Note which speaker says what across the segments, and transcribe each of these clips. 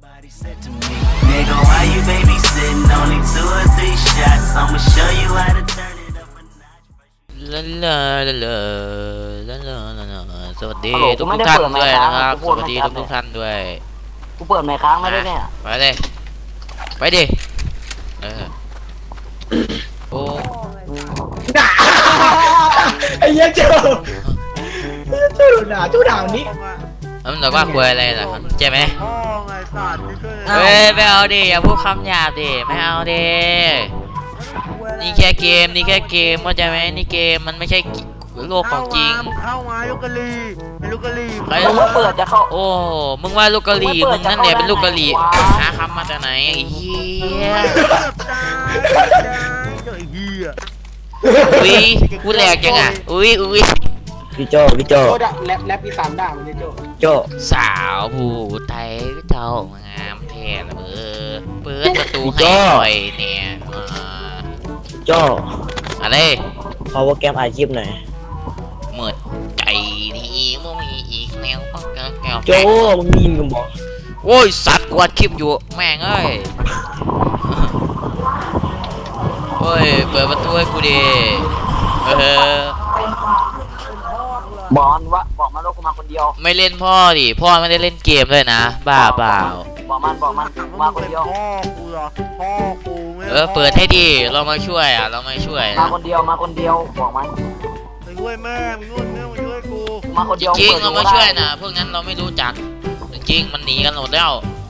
Speaker 1: Somebody said to me, nigga, why you babysitting? Only 2 or 3 shots. I'ma show you how to turn it up a notch.
Speaker 2: ลาลาลาลาลาลาลาลาสวัสดีทุกท่านด้วยนะครับสวัสดีทุกท่านด้วย
Speaker 3: กูเปิดไมค์ค้างไม่ได้เนี่ย
Speaker 2: ไปเลยไปดิโอ้
Speaker 4: ไอ้เหี้ยเจ้าด่านี้
Speaker 2: มันบอกว่าคุยอะไรล่ะใช่ไหมเฮ้ยไม่เอาดิอย่าพูดคำหยาบดิไม่เอาดินี่แค่เกมเข้าใจไหมนี่เกมมันไม่ใช่โลกของจริง
Speaker 5: เข้ามาลูกกะลี
Speaker 2: ใคร
Speaker 3: มึงเปิดจะเข้า
Speaker 2: โอ้มึงว่าลูกกะลีมึงนั่นแหละเป็นลูกกะลีหาคำมาจากไหนไอ้เหี้ยอุ้ยพูดแหลกจังอ่ะอุ้ย
Speaker 4: พี่โจแรปอีสานด่ามันเลยโจ
Speaker 2: สาวผู้ไทยเจ้างามแท้ละเปิดประตูให้หน่อยเนี่ย
Speaker 4: โจ
Speaker 2: อะไร
Speaker 4: พาวเวอร์แกมอาชีพหน่อย
Speaker 2: เมื่อใจนี้มึงมีอีกแนวปังแก้ว
Speaker 4: โจมึงยิงกันบอก
Speaker 2: โอ้ยสัตว์กวาดคลิปอยู่แม่งเอ้ยโอ้ยเปิดประตูให้กูดิ
Speaker 3: บอลวะบอกมันว่ากูมาคนเดียว
Speaker 2: ไม่เล่นพ่อดิพ่อไม่ได้เล่นเกมเลยนะบ้าเปล่า
Speaker 3: บอกมันมาคนเดียว
Speaker 2: เปิดให้ดิเรามาช่วยเรามาช่วย
Speaker 3: มาคนเดียวบอกมัน
Speaker 5: ไปช่วยแม่มาช่วยกู
Speaker 3: มาคนเดียว
Speaker 2: จริงเรามาช่วยนะพวกนั้นเราไม่รู้จักจริงมันหนีกันหมดแล้ว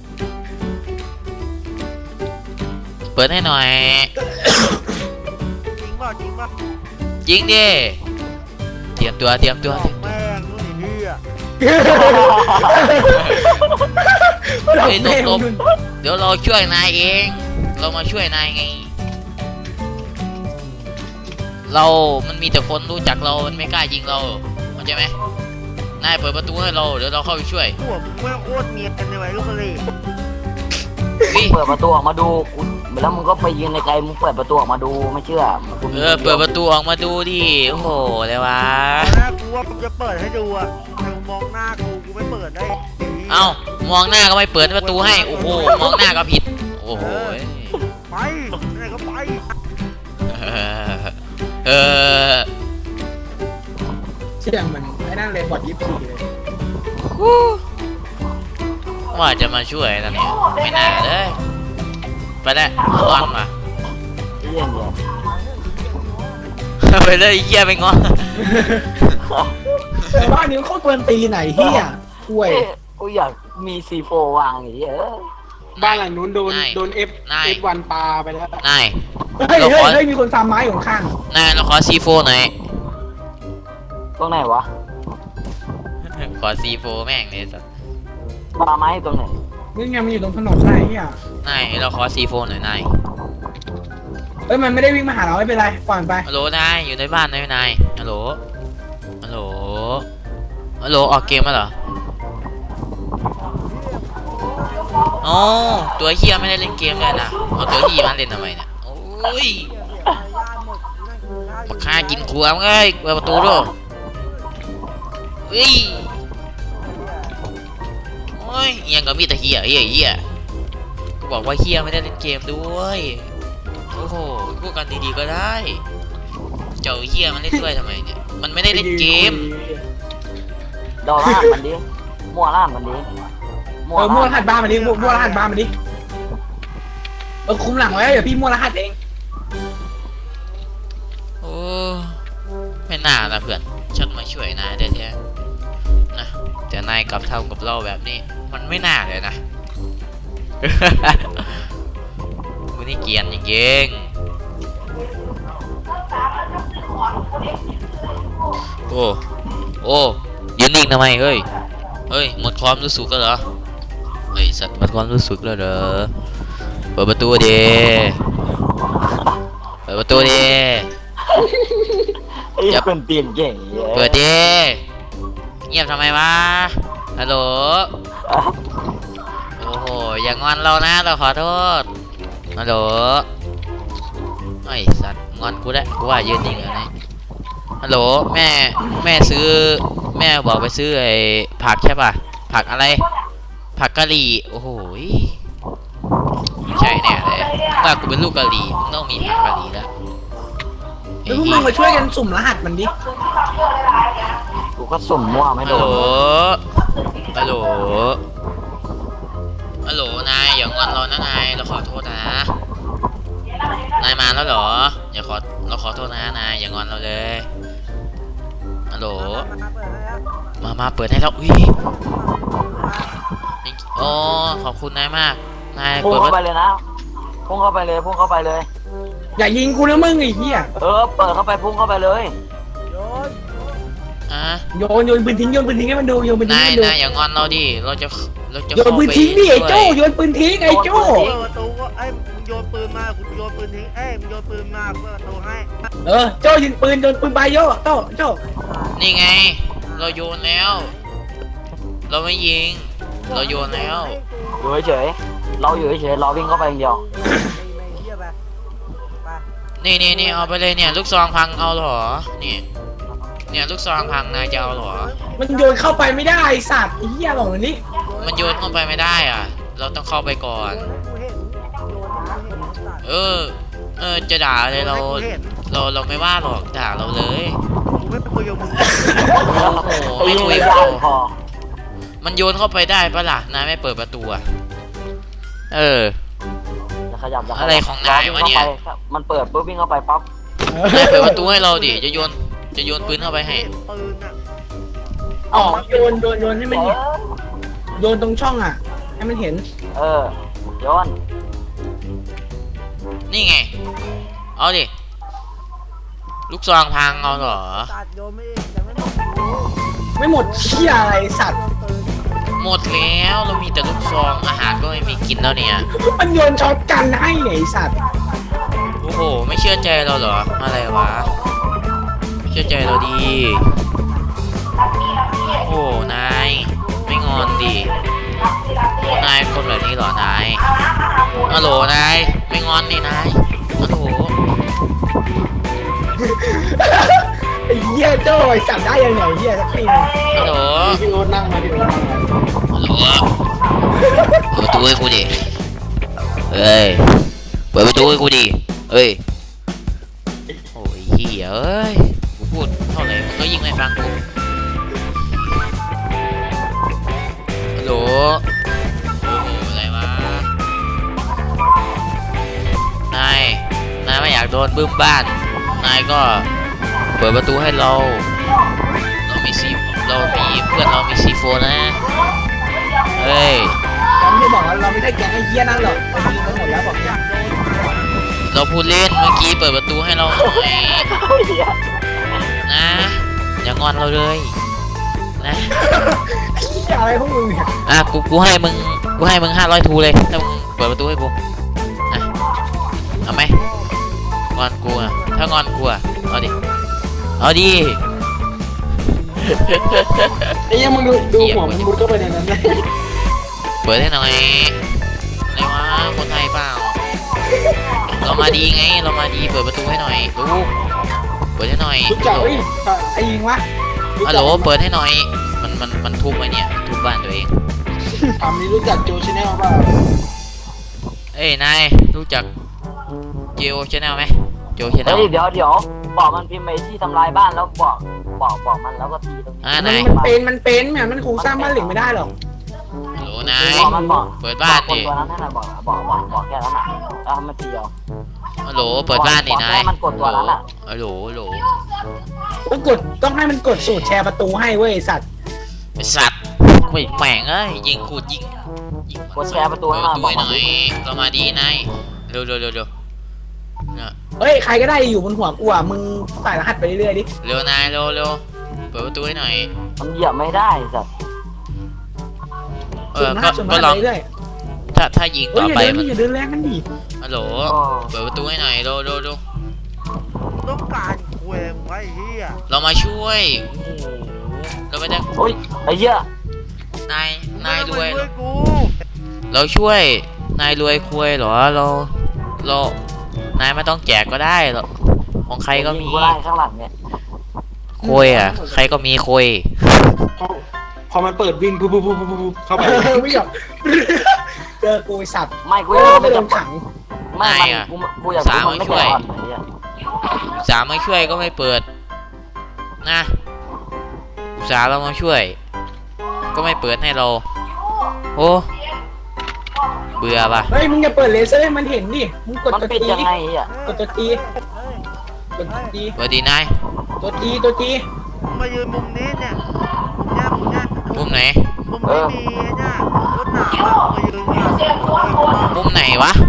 Speaker 2: เปิดให้หน่อย
Speaker 5: จริงป่ะ
Speaker 2: จริงดิเตรียมตัว
Speaker 5: แม่งนู่นนี่
Speaker 2: ตบเดี๋ยวเราช่วยนายเองเรามาช่วยนายไงมันมีแต่คนรู้จักเรามันไม่กล้ายิงเราเข้าใจไหมนายเปิดประตูให้เราเดี๋ยวเราเข้าไปช่วย
Speaker 5: พวกมึงไม่โคตรเนียนในวัยลูกกะลี
Speaker 3: เปิดประตูออกมาดูแล้วมึงก็ไปยืนในไกลมึงเปิดประตูออกมาดูไม่เชื่อ
Speaker 2: เปิดประตูออกมาดูดิโอ้โหเลยวะ
Speaker 5: กูว่ามึงจะเปิดให้ดูอ่ะแต่มองหน้ากูไม่เปิดได้
Speaker 2: เอ้ามองหน้าก็ไม่เปิดประตูให้โอ้โหมองหน้าก็ผิดโอ้โห
Speaker 5: ไปไหนก็ไป
Speaker 4: เสียงมันไอ้นั่นเลยบอดยิปซีเลย
Speaker 2: ว่าจะมาช่วยนะเนี่ยไม่น่าเลยไปได้งอนมาไปเลยเหี้ยไปงอน
Speaker 4: บ้านนี้เขาควรตีไหนเหี้ยห่วย
Speaker 3: กูอยากมีC4วางอย่างเงี้ย
Speaker 4: บ้านหลังนู้นโดนF1ปาไปแล้ว
Speaker 2: นาย
Speaker 4: เฮ้ยมีคนซ้ำไม้อยู่ข้าง
Speaker 2: นายเราขอC4หน่อย
Speaker 3: ตรงไหนวะ
Speaker 2: ขอC4แม่งเลยสัส
Speaker 3: ปาไม้ตรงไหน
Speaker 4: นี่ไงมันอยู่ตรงถนนไหนอ่ะ
Speaker 2: นายเราขอC4หน่อยนาย
Speaker 4: เฮ้ยมันไม่ได้วิ่งมาหาเราไม่เป็นไรปล่อยไป
Speaker 2: ฮัลโหลนายอยู่ในบ้านนายฮัลโหลออกเกมมาเหรออ๋อตัวเฮียไม่ได้เล่นเกมเลยนะเอาตัวเฮียมาเล่นทำไมเนี่ยโอ้ยมาฆ่ากินครัวมึงเอ้ยเปิดประตูด้วยโอ้ยยังก็มีแต่เฮียก็บอกว่าเฮียไม่ได้เล่นเกมด้วยโอ้โหพูดกันดีๆก็ได้เจ้าเฮียมันเล่นด้วยทำไมเนี่ยมันไม่ได้เล่นเกม
Speaker 3: ดอล่ามันดิมั่วล่ามันดิ
Speaker 4: มั่วรหัสบ้านมันดิมั่วรหัสบ้านมันดิคุมหลังไว้เดี๋ยวพี่มั่วรหัสเอง
Speaker 2: โอ้ไม่น่าละเพื่อนฉันมาช่วยนายได้แท้นะแต่นายกลับเท่ากับเราแบบนี้มันไม่น่าเลยนะมึงนี่เกียนจริงๆโอ้ยืนนิ่งทำไมเฮ้ยหมดความรู้สึกแล้วเหรอเฮ้ยสัตว์หมดความรู้สึกแล้วเหรอเปิดประตูดิ
Speaker 3: จะเป็นเปลี่ยนเก่ง
Speaker 2: เปิดดิเงียบทำไมวะฮัลโหลโอ้โหอย่างอนเรานะเราขอโทษฮัลโหลไอ้สัตว์งอนกูได้กูว่ายืนนิ่งอะไรฮัลโหลแม่บอกไปซื้อไอ้ผักใช่ป่ะผักอะไรผักกะหรี่โอ้โหยไม่ใช่แน่เลยถ้ากูเป็นลูกกะหรี่มึงต้องมีผักกะหรี่แล้ว
Speaker 4: แล้วพวกมึงมาช่วยกันสุ่มรหัสมันดิ
Speaker 3: กูก็สุ่มมั่วไม่
Speaker 2: ฮัล
Speaker 3: โด
Speaker 2: โหล
Speaker 3: น
Speaker 2: ฮัลโหลฮัลโหลนายอย่างอนเรานะนายเราขอโทษนะนายมาแล้วเหรออย่าเราขอโทษนะนายอย่างอนเราเลยฮัลโหล มาเปิดให้เราอุ้ยโอ้ขอบคุณนายมากนาย
Speaker 3: พุ่ง
Speaker 2: เปิด
Speaker 3: เข้าไป
Speaker 2: มา
Speaker 3: เลยนะพุ่งเข้าไปเลยพุ่งเข้าไปเลย
Speaker 4: อย่ายิงกูนะมึงไอ้เหี้ย
Speaker 3: เปิดเข้าไปพุ่งเข้าไปเลย
Speaker 2: อ่ะ
Speaker 4: โยนปืนทิ้งให้มันดูโยนปืนทิ้ง
Speaker 2: นาย
Speaker 4: ให้มันดู
Speaker 2: นายอย่างอนเราดิเราจะ
Speaker 4: โยนปืนทิ้งดิไอ้โจ้โยนปืนทิ้งไอ้โจ้
Speaker 5: เปิดประตูก็ไอ้มึงโยนปืนมากูโยนปืนทิ้งมึงโยนปืนมาเปิดประตูให้
Speaker 4: โจ้ยิงปืนโยนปืนไปโยโจ้
Speaker 2: นี่ไง เราโยนแล้ว เราไม่ยิง เราโยนแล้ว
Speaker 3: อยู่เฉยๆเราอยู่เฉยๆเราวิ่งเข้าไปอย่างเดียว
Speaker 5: ไม่เหี้ยไปไป
Speaker 2: นี่เอาไปเลยเนี่ยลูกซองพังเอาเหรอเนี่ยลูกซองพังนายจะเอาเหรอ
Speaker 4: มันโยนเข้าไปไม่ได้ไอ้สัตว์ไอ้เหี้ยบอกเลยนี่
Speaker 2: มันโยนเข้าไปไม่ได้อ่ะ เราต้องเข้าไปก่อน
Speaker 5: โยนให้กูเห็นโยนให้กูเห็นสัตว์
Speaker 2: จะด่าเลยเรา
Speaker 5: โยนให้กูเห็น
Speaker 2: เราไม่ว่าหรอกด่าเราเลย
Speaker 5: กูไม่คุยกับมึง
Speaker 2: โอ้โหไม่คุย
Speaker 3: ไม่
Speaker 2: กับ
Speaker 3: ได้
Speaker 2: เรา
Speaker 3: พอ
Speaker 2: มันโยนเข้าไปได้ปะล่ะนายไม่เปิดประตูอะ
Speaker 3: จะขยับ
Speaker 2: อะไรของนายวะเนี่ย
Speaker 3: มันเปิดปุ๊บวิ่งเข้าไปปั๊บ
Speaker 2: นายเปิดประตูให้เราดิจะโยนปืนเข้าไปให้
Speaker 5: ปืนอ่ะ
Speaker 4: อ๋อโยนให้มันเห็นโยนตรงช่องอ่ะให้มันเห็น
Speaker 3: โยน
Speaker 2: นี่ไงเอาดิลูกซองพังเอาเหรอ
Speaker 5: ตัดโยนไม่เองแต่ไม่หมด
Speaker 4: ไม่หมดเชี่ยอะไรไอ้สัตว์
Speaker 5: ปืน
Speaker 2: หมดแล้วเรามีแต่ลูกซองอาหารก็ไม่มีกินแล้วเนี่ย
Speaker 4: มันโยนช็อตกันให้เนี่ยไอ้สัตว์
Speaker 2: โอ้โหไม่เชื่อใจเราเหรออะไรวะเชื่อใจเราดีโอ้นายไม่งอนดินายคนแบบนี้เหรอนายฮัลโหลนายไม่งอนดินายฮัลโหล
Speaker 4: ไอ้เหี้ยโจ้ไอ้สัตว์ได้ยังไงเหี้ยสักทีนึง
Speaker 2: ฮัลโหล
Speaker 4: พี่โอ๊ตนั่งมาพี่โอ๊ตนั่งมา
Speaker 2: ฮัลโหลเปิดประตูให้กูดิเอ้ยเปิดประตูให้กูดิเอ้ยโอ้ยเหี้ยเอ้ยกูพูดเท่าไหร่มึงก็ยิ่งไม่ฟังกูฮัลโหลโอ้โหอะไรวะนายไม่อยากโดนบึ้มบ้านนายก็เปิดประตูให้เรามีเพื่อนเรามีซีโฟนะเฮ้ย
Speaker 4: เราไม่ได้บอกเราไม่ใช่แก๊งไอ้เหี้ยนั่นหรอกเรายิงไปหมดแล้วบอกอยาก
Speaker 2: เราพูดเล่นเมื่อกี้เปิดประตูให้เราหน่อยนะอย่างอนเราเลยนะ
Speaker 4: เหี้ยอะไรพวกมึงเนี่ย
Speaker 2: กูให้มึง500 ทูเลยถ้ามึงเปิดประตูให้กูนะเอาไหมงอนกูอะถ้างอนกูอะเอาดิ
Speaker 4: ไอ้เหี้ยมึงดูหัวมันมุดเข้าไปในนั้นเลย
Speaker 2: เปิดให้หน่อยอะไรวะคนไทยเปล่าเรามาดีไงเรามาดีเปิดประตูให้หน่อยลูกเปิดให้หน่อย
Speaker 4: รู้จักไอ้ยิงวะ
Speaker 2: ฮัลโหลเปิดให้หน่อยมันทุบไหมเนี่ยทุบบ้านตัวเอง
Speaker 4: ถามนี้รู้จักโจชแนลป่ะ
Speaker 2: เอ้ยนายรู้จักเจโอชแนลไหมโจชแนล
Speaker 3: เดี๋ยวบอกมันพิมพ์ไปที่ทำลายบ้านแล้วบอกมันแล้วก็ตีตรงนี้
Speaker 2: นาย
Speaker 4: มันเป็นแหมมันคงสร้างบ้านเหล็กไม่ได้หรอก
Speaker 2: ฮัลโหลนาย
Speaker 3: มันบอก
Speaker 2: เปิดบ้าน
Speaker 3: คน
Speaker 2: ดิ
Speaker 3: ตัวนั้นให้หน่อยบอกแค่นั้นน่ะแล้วมันตีเอา
Speaker 2: ฮัลโหลเปิดบ้านดินาย
Speaker 3: มันกดตัวนั้นอะ
Speaker 2: ฮัลโหล
Speaker 4: ต้องให้มันกดสูตรแชร์ประตูให้เว้ยสัตว์
Speaker 2: ไอสัตว์ไม่แหม่งเอ้ยยิงขูดยิง
Speaker 3: กดแชร์ประตูให้มา
Speaker 2: ดู
Speaker 3: บอก
Speaker 2: ให้ห
Speaker 3: มัน
Speaker 2: น่อยเรามาดีนายเร็วเนี่ย
Speaker 4: เฮ้ยใครก็ได้อยู่บนหัวกูอ่ะมึงใส่รหัสไปเรื่อยๆดิ
Speaker 2: เร็วนายเร็วเปิดประตูให้หน่อย
Speaker 3: มันเหยียบไม่ได้สัตว์
Speaker 2: ก็ลอง
Speaker 4: ไปเรื่อย
Speaker 2: ถ้ายิง
Speaker 4: เฮ้
Speaker 2: ต่
Speaker 4: ย
Speaker 2: อไปมัน
Speaker 4: อย่าเดินแรงกันดิ
Speaker 2: ฮัลโหลเปิดประตูให้หน่อยเร็ว
Speaker 5: ต้องการคุยไว้เฮีย
Speaker 2: เรามาช่วยโอ้โหเราไม่ได้
Speaker 3: โอ้ยไอ้เหี้ย
Speaker 2: นายรวย
Speaker 5: ช่วยกู
Speaker 2: เราช่วยนายรวยคุยเหรอเรานายไม่ต้องแจกก็ได้หรอกของใครก็มี
Speaker 3: กูได้ข้างหลังเนี่ย
Speaker 2: คุยอ่ะใครก็มีคุย
Speaker 4: พอมันเปิดวิ่งปุ๊บปุ๊บปุ๊บปุ๊บเข้าไปไม่ยอมเจอกูสัตว์
Speaker 3: ไม่กู
Speaker 4: โอ้
Speaker 3: อยาก
Speaker 4: ไป
Speaker 3: ไม่
Speaker 4: โด
Speaker 3: จะ
Speaker 4: นขัง
Speaker 3: ไม่กูอยากรู้มันไม่ใจอ่อนไหนอ่ะ
Speaker 2: อุตส่าห์มาช่วยก็ไม่เปิดนะอุตส่าห์เรามาช่วย ก็ไม่เปิดให้เรา โอ้เบื่อปะ
Speaker 4: เฮ้ยมึงอย่าเปิดเลเซอร์ให้มันเห็นดิมึงกด
Speaker 3: มัน
Speaker 4: ตัว
Speaker 3: ปิด
Speaker 4: จี
Speaker 3: ยังไงอ่ะ
Speaker 4: กดตัวจีกดตัวจี
Speaker 2: สวัสดีนาย
Speaker 4: ตัวจีตัวจี
Speaker 5: มึงมายืนมุมนี้เนี่ยมุมเนี้ย
Speaker 2: มุมไหน
Speaker 5: มุมนี้มีไอ้เนี่ยรถหนามอะมายืนเนี่ย
Speaker 2: มุมไหนวะ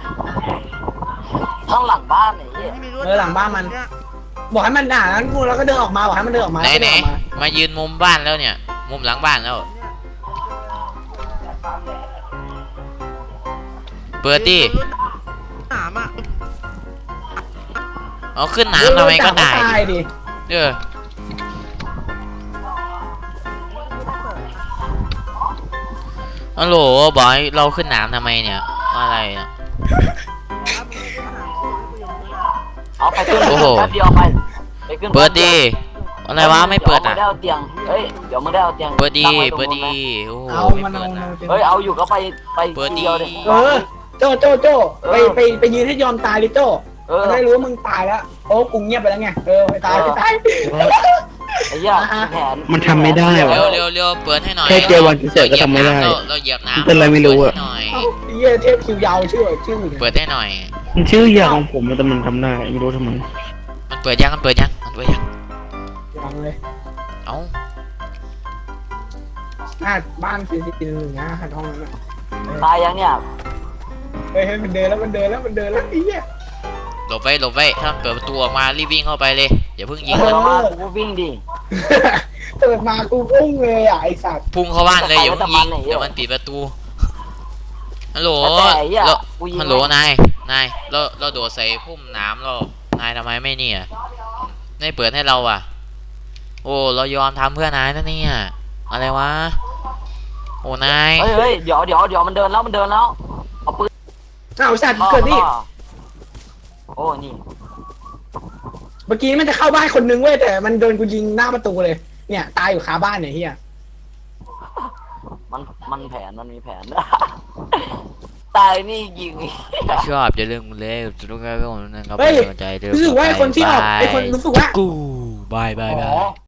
Speaker 3: ข้างหลังบ้านไหนอ่ะ
Speaker 5: ที่มีรถ
Speaker 4: หลังบ้านมันบอกให้มันด่าแล้วกูแล้วก็เดินออกมาบอกให้มันเดินออกมา
Speaker 2: ไหน
Speaker 4: แล้วก็
Speaker 2: ไหน
Speaker 4: เดินออกมา
Speaker 2: มายืนมุมบ้านแล้วเนี่ย มุมหลังบ้านแล้ว เปิดดิ
Speaker 5: รถหนามอะ
Speaker 2: เอาขึ้นน้ำทำไมก็ได้
Speaker 4: ตายดิ
Speaker 2: เออฮัลโหลบอยเราขึ้นน้ำทำไมเนี่ยอะไรเนี่ย
Speaker 3: เอาไปขึ้น
Speaker 2: โอ้โห
Speaker 3: แป๊บเดียวไปขึ้น
Speaker 2: เปิดดิอะไรวะไม่เปิด
Speaker 3: ดี๋ยวมึ
Speaker 2: อ่ะ
Speaker 3: งได้เอาเตียงเฮ้ยเดี๋ยวมึงได้เอาเตียง
Speaker 2: เปิดดี
Speaker 3: ตั้งไว้ตรง
Speaker 2: เปิด
Speaker 3: นู้น
Speaker 2: ดี
Speaker 3: นะ
Speaker 2: โอ้โห
Speaker 4: เอา
Speaker 2: ไม่
Speaker 4: มัน
Speaker 2: เปิ
Speaker 4: เอา
Speaker 2: ดนะ
Speaker 3: เฮ้ยเอาอยู่ก็ไป
Speaker 2: เปิดดิ
Speaker 3: ทีเดียวดิ
Speaker 4: เออโจไปยืนให้ยอมตายดิโจ
Speaker 3: เออ
Speaker 4: มันได้รู้ว่ามึงตายแล้วโอ้กูเงียบไปแล้วไงไปตาย
Speaker 3: ไอ้เหี้ยแผน
Speaker 6: มันทำไม่ได้วะ
Speaker 2: เร็วเปิดให้หน่อย
Speaker 6: แค่เจอวันพิเศษก็ทำไม่ได้
Speaker 2: เราเหยียบน้ำ
Speaker 6: เป็นไรไม่รู้อะ
Speaker 2: เปิดให้หน่อย
Speaker 4: เยี่ยเทพคิวยาวชื่อ
Speaker 2: เปิดให้หน่อย
Speaker 6: มันชื่อยาของผมแต่มันทำได้ไม่รู้ทำไม
Speaker 2: มันเปิดยังมันเปิดยัง
Speaker 4: ยังเลย
Speaker 2: เอ้า
Speaker 4: บ้าน441นะห้องนั้น
Speaker 3: ตายยังเนี่ย
Speaker 4: เฮ้ยมันเดินแล้วไอ้เหี้ย
Speaker 2: หลบไว้ถ้ามันเปิดประตูออกมารีบวิ่งเข้าไปเลยอย่าเพิ่งยิง
Speaker 3: เปิ
Speaker 2: มัน
Speaker 3: ดมากูก็วิ่งดิ
Speaker 4: เปิดมากูพุ่งเลยอ่ะไอสัตว์
Speaker 2: พุ่งเข้าบ้านเลยอย่าเพิ่งยิงเดี๋ยวมันปิดประตูฮัลโหล
Speaker 3: แต่ไอ้เหี้ย
Speaker 2: แล้ว
Speaker 3: กูยิง
Speaker 2: ฮัลโหลนายเราโดดใส่พุ่มน้ำเรานายทำไมไม่เนี่ยไม่เปิดให้เราอ่ะ โอ้เรายอมทำเพื่อนายนะเนี่ยอะไรวะโอ้นาย
Speaker 3: เฮ้ยเดี๋ยวมันเดินแล้วเอาปืน
Speaker 4: อ้าวสัตว์เกิดนี่
Speaker 3: โอ้นี่
Speaker 4: เมื่อกี้มันจะเข้าบ้านคนนึงเว้ยแต่มันโดนกูยิงหน้าประตูเลยเนี่ยตายอยู่คาบ้านเนี่ยเฮีย
Speaker 3: มันแผนมันมีแผน ตายนี่ยิง
Speaker 2: ถ้าชอบอย่าลืมกดไลค์กดติดตามให้ผมนะครับ
Speaker 4: เฮ้ย
Speaker 2: เป็นกำลังใจด้วย
Speaker 4: รู้สึกว่าไอคนที่ออกไอคนรู้สึกว่า
Speaker 2: กูบาย
Speaker 4: อ๋อ